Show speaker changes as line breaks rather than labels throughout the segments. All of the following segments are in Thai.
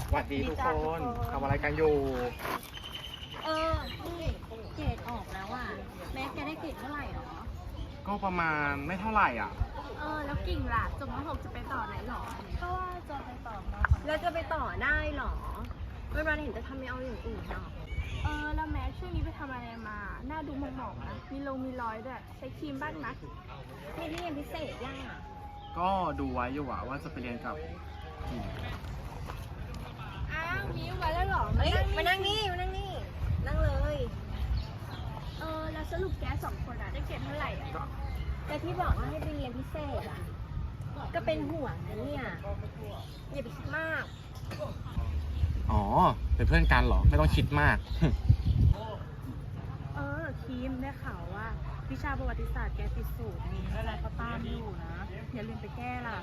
สวัสดีทุกคนทำอะไรกันอยู่
นี่เกรดออกแล้วอ่ะแม่แกได้เกรดเท่าไหร่หรอ
ก็ประมาณไม่เท่าไหร่อ่ะ
แล้วกิ่งล่ะจบม.6จะไปต่อไหนหรอก็ว่าจะไปต่อม.แล้วจะไปต่อได้หรอไม่มาเห็นจะทำไม่เอาอย่างอื่นหรอ
แล้วแม็กช่วงนี้ไปทำอะไรมาหน้าดูหมองๆนะมีรอยด้วยใช้ครีมบ้างนะ
มีเรียนพิเศษย่า
ก็ดูไว้อยู่ว่าจะไปเรียนกับทีม
อ้าวมิ้วมาแล้วเหรอ
มานั่งนี่นั่งเลย
แล้วสรุปแก2 คนได้เกรดเท่าไหร่อ่ะ
แต่ที่บอกว่าให้ไปเรียนพิเศษอ่ะก็เป็นห่วงนะเนี่ยอย่าไปคิดมาก
อ๋อเป็นเพื่อนกันเหรอไม่ต้องคิดมาก
ครีมได้ข่าวว่าวิชาประวัติศาสตร์แกติดสูตรนี่แล้วเขาตามอยู่นะอย่าลืมไปแก้ล่ะ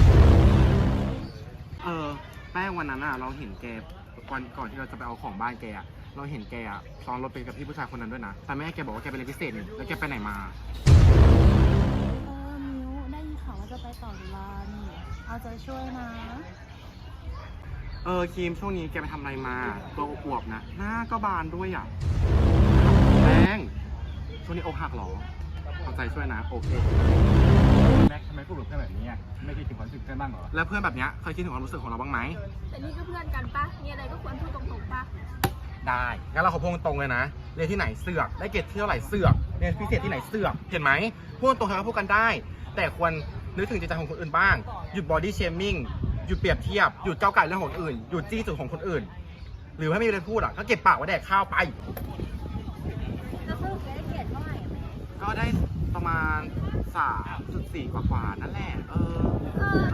แป้งวันนั้นเราเห็นแกวันก่อนที่เราจะไปเอาของบ้านแกเราเห็นแกซ้อนรถไปกับพี่ผู้ชายคนนั้นด้วยนะแต่แม่แกบอกว่าแกไปเรียนพิเศษนี่แล้วแกไปไหนมา
มิ้วได้ยินข่าวว่าจะไปต่อจุฬานี่เอาใจช่วยนะ
ครีมช่วงนี้แกไปทำอะไรมาตัวอวบๆนะหน้าก็บานด้วยแป้งช่วงนี้อกหักเหรอเอาใจช่วยนะโอเค
แม็กทำไมพูดกับเพื่อนแบบนี้ไม่คิดถึงความรู้สึกเพื่อนบ้างเหรอ
แล้วเพื่อนแบบนี้เคยคิดถึงความรู้สึกของเราบ้างไหม
แต่นี่ก็เพื่อนกันปะมีอะไรก็ควรพูดตรงๆปะ
ได้งั้นเราขอพูดตรงเลยนะเรียนที่ไหนเสือกได้เกรดที่เท่าไหร่เสือกเรียนพิเศษที่ไหนเสือกเห็นไหมพูดตรงๆเราพูดกันได้ แต่ควรนึกถึงจิตใจของคนอื่นบ้างหยุดบอดี้เชมิ่งหยุดเปรียบเทียบหยุดเจ้าไก่เรื่องของคนอื่นหยุดจี้จุดของคนอื่นหรือถ้าไม่มีอะไรพูดก็เก็บปากไว้แดกข้าวไป
แล้วสรุปแกได้เกรดเท่าไหร่อะแม่
ก็ได้ประมาณ 3.4 กว่าๆนั่นแหละ